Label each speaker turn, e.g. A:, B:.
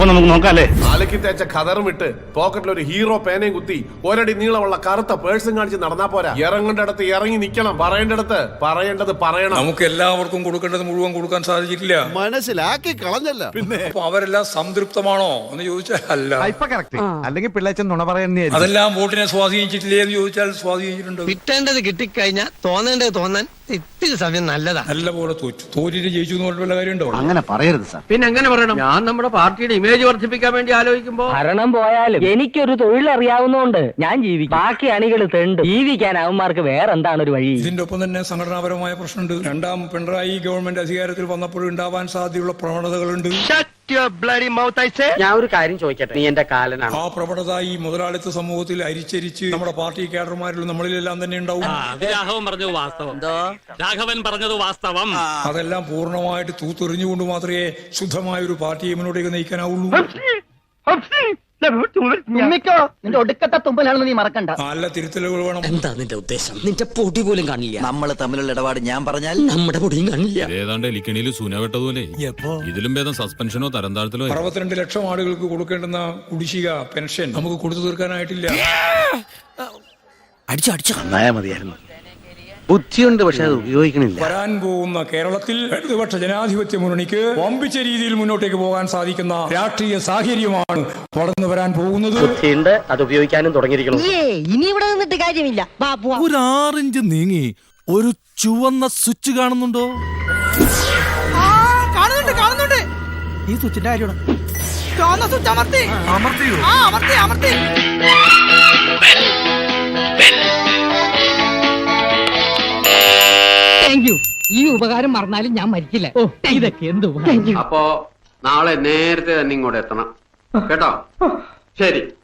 A: അപ്പൊ നമുക്ക് നോക്കാല്ലേ?
B: ആലക്കി തേച്ച ഖദറും ഇട്ട് പോക്കറ്റിൽ ഒരു ഹീറോ പേനയും കുത്തി ഒരടി നീളമുള്ള കറുത്ത പേഴ്സും കാണിച്ച് നടന്നാ പോരാ. ഇറങ്ങേണ്ടടത്ത് ഇറങ്ങി നിക്കണം, പറയേണ്ടടത്ത് പറയേണ്ടത് പറയണം.
C: നമുക്ക് എല്ലാവർക്കും കൊടുക്കേണ്ടത് മുഴുവൻ കൊടുക്കാൻ സാധിച്ചിട്ടില്ല.
D: മനസ്സിലാക്കി കളഞ്ഞല്ല. പിന്നെ
C: അവരെല്ലാം സംതൃപ്തമാണോ എന്ന് ചോദിച്ചാൽ അല്ല.
E: അല്ലെങ്കിൽ പിള്ളേച്ചൻ നുണ പറയുന്നേ.
C: അതെല്ലാം വോട്ടിനെ സ്വാധീനിച്ചിട്ടില്ലേ എന്ന് ചോദിച്ചാൽ സ്വാധീനിച്ചിട്ടുണ്ട്.
F: കിട്ടേണ്ടത് കിട്ടിക്കഴിഞ്ഞാൽ തോന്നേണ്ടത് തോന്നാൻ ഇത്തിരി സമയം നല്ലതാണ്.
C: നല്ല പോലെ തോറ്റിട്ട് ജയിച്ചു എന്ന് പറഞ്ഞ കാര്യമുണ്ടോ?
E: അങ്ങനെ പറയരുത് സാർ.
F: പിന്നെ എങ്ങനെ പറയണം? ഞാൻ നമ്മുടെ പാർട്ടിയുടെ ഇമേജ് വർദ്ധിപ്പിക്കാൻ വേണ്ടി ആലോചിക്കുമ്പോ
G: ഭരണം പോയാലും എനിക്കൊരു തൊഴിൽ അറിയാവുന്നതുകൊണ്ട് ഞാൻ ജീവിക്കും. ബാക്കി അണികൾ തെണ്ട് ജീവിക്കാൻ അവന്മാർക്ക് വേറെന്താണ് ഒരു വഴി?
C: ഇതിന്റെ ഒപ്പം തന്നെ സംഘടനാപരമായ പ്രശ്നമുണ്ട്. രണ്ടാം പിണറായി ഗവൺമെന്റ് അധികാരത്തിൽ വന്നപ്പോൾ ഉണ്ടാവാൻ സാധ്യതയുള്ള പ്രവണതകളുണ്ട്.
G: ഞാൻ ഒരു കാര്യം ചോദിക്കട്ടെ, നീ എന്റെ കാലനാണ്.
C: ആ പ്രവണത ഈ മുതലാളിത്ത സമൂഹത്തിൽ അരിച്ചരിച്ച് നമ്മുടെ പാർട്ടി കേഡർമാരിലും നമ്മളിലെല്ലാം തന്നെ ഉണ്ടാവും.
A: രാഘവൻ പറഞ്ഞത് വാസ്തവം.
C: അതെല്ലാം പൂർണ്ണമായിട്ട് തൂത്തെറിഞ്ഞുകൊണ്ട് മാത്രമേ ശുദ്ധമായ ഒരു പാർട്ടിയെ മുന്നോട്ടേക്ക് നയിക്കാനാവുള്ളൂ.
G: നിന്റെ ഒടുക്കത്തെ തുമ്പലാണെന്ന് നീ മറക്കണ്ട.
C: നല്ല തിരുത്തലുകൾ വേണം.
F: എന്താ നിന്റെ ഉദ്ദേശം? നിന്റെ പൊടി പോലും കാണില്ല.
E: നമ്മൾ തമ്മിലുള്ള ഇടപാട് ഞാൻ പറഞ്ഞാൽ
F: നമ്മുടെ പൊടിയും കാണില്ല.
H: ഏതാണ്ട് എലിക്കണിയിൽ സൂനവെട്ടതുപോലെ ഇതിലും ഭേദം സസ്പെൻഷനോ തരം താഴ്ത്തലോ.
C: 62 ലക്ഷം ആളുകൾക്ക് കൊടുക്കേണ്ടുന്ന കുടിശ്ശിക പെൻഷൻ നമുക്ക് കൊടുത്തു തീർക്കാനായിട്ടില്ല.
E: നന്നായാ മതിയായിരുന്നു. ബുദ്ധിയുണ്ട്, പക്ഷെ അത് ഉപയോഗിക്കണില്ല.
C: വരാൻ പോകുന്ന കേരളത്തിൽ ഇടതുപക്ഷ ജനാധിപത്യ മുന്നണിക്ക് വമ്പിച്ച രീതിയിൽ മുന്നോട്ടേക്ക് പോകാൻ സാധിക്കുന്ന രാഷ്ട്രീയ സാഹചര്യമാണ് വളർന്നു വരാൻ പോകുന്നത്.
G: ബുദ്ധിയുണ്ട്, അത് ഉപയോഗിക്കാനും തുടങ്ങിയിരിക്കണം.
I: ഇനി ഇവിടെ നിന്നിട്ട് കാര്യമില്ല.
D: ഒരു 6 ഇഞ്ച് നീങ്ങി ഒരു ചുവന്ന സ്വിച്ച് കാണുന്നുണ്ടോ?
I: കാണുന്നുണ്ട്.
D: ഈ സ്വിച്ചിന്റെ കാര്യമാണ്.
I: ചുവന്ന സ്വിച്ച് അമർത്തി. Thank you. ഈ ഉപകാരം മറന്നാലും ഞാൻ മരിക്കില്ല. ഇതൊക്കെ എന്ത് ഉപകാരം.
J: അപ്പോ നാളെ നേരത്തെ തന്നെ ഇങ്ങോട്ട് എത്തണം കേട്ടോ. ശരി.